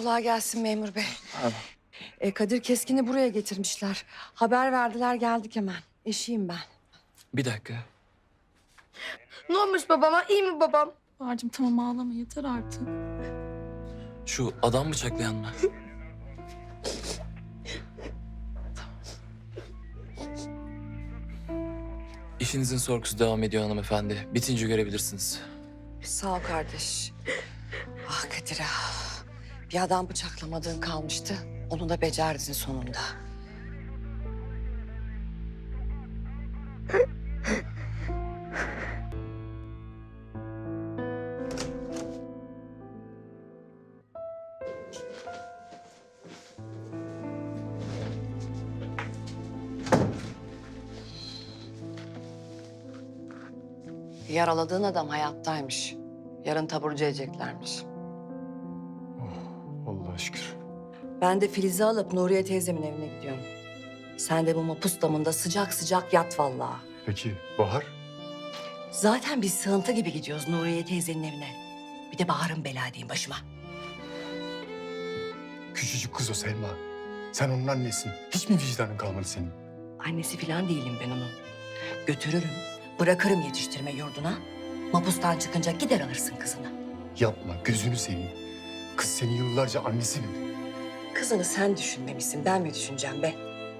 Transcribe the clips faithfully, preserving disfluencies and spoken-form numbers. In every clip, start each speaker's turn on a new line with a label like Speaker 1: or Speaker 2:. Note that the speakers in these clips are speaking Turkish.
Speaker 1: Kolay gelsin memur bey.
Speaker 2: Ha.
Speaker 1: E, Kadir Keskin'i buraya getirmişler. Haber verdiler, geldik hemen. Eşiyim ben.
Speaker 2: Bir dakika.
Speaker 3: Ne olmuş babama? İyi mi babam?
Speaker 4: Bahar'cığım tamam ağlama yeter artık.
Speaker 2: Şu adam bıçaklayan mı? İşinizin sorgusu devam ediyor hanımefendi. Bitince görebilirsiniz.
Speaker 1: Sağ ol kardeş. Ah Kadir ah. Bir adam bıçaklamadığın kalmıştı. Onu da becerdin sonunda. Yaraladığın adam hayattaymış. Yarın taburcu edeceklermiş.
Speaker 5: Allah'a şükür.
Speaker 1: Ben de Filiz'i alıp Nuriye teyzemin evine gidiyorum. Sen de bu mapus damında sıcak sıcak yat vallahi.
Speaker 5: Peki Bahar?
Speaker 1: Zaten biz sığıntı gibi gidiyoruz Nuriye teyzenin evine. Bir de Bahar'ın bela diyeyim başıma.
Speaker 5: Küçücük kız o Selma. Sen onun annesin. Hiç mi vicdanın kalmadı senin?
Speaker 1: Annesi falan değilim ben onun. Götürürüm, bırakırım yetiştirme yurduna. Mapustan çıkınca gider alırsın kızını.
Speaker 5: Yapma, gözünü seveyim. Kız seni yıllarca annesi bildi.
Speaker 1: Kızını sen düşünmemişsin, ben mi düşüneceğim be?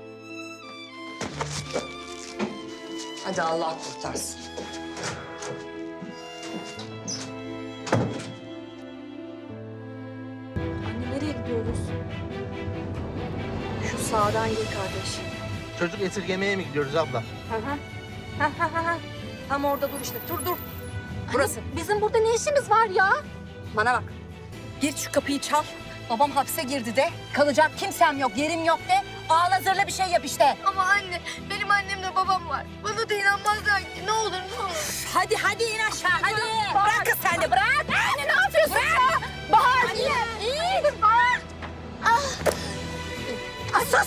Speaker 1: Hadi Allah kurtarsın.
Speaker 4: Anne nereye gidiyoruz?
Speaker 1: Şu sağdan gir kardeş.
Speaker 6: Çocuk esirgemeye mi gidiyoruz abla?
Speaker 1: Hı hı. Ha, ha, ha, ha. Tam orada dur işte, dur dur. Burası.
Speaker 4: Bizim burada ne işimiz var ya?
Speaker 1: Bana bak. Gir şu kapıyı çal. Babam hapse girdi de. Kalacak kimsem yok, yerim yok de. Ağla zırla bir şey yap işte.
Speaker 3: Ama anne, benim annemle babam var. Bana da inanmazlar ki. Ne olur ne olur.
Speaker 1: Hadi hadi in aşağı hadi. Bırak kız sen de bırak.
Speaker 3: Anne ne yapıyorsun ya? Bahar iyi. İyi. Bahar. Ah. Asas.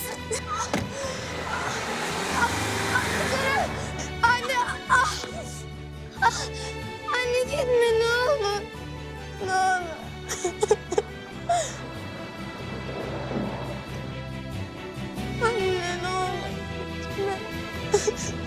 Speaker 3: Anne. Ah. Ah. Anne gitme ne olur. Ne olur. Anne ne olur. Gitme.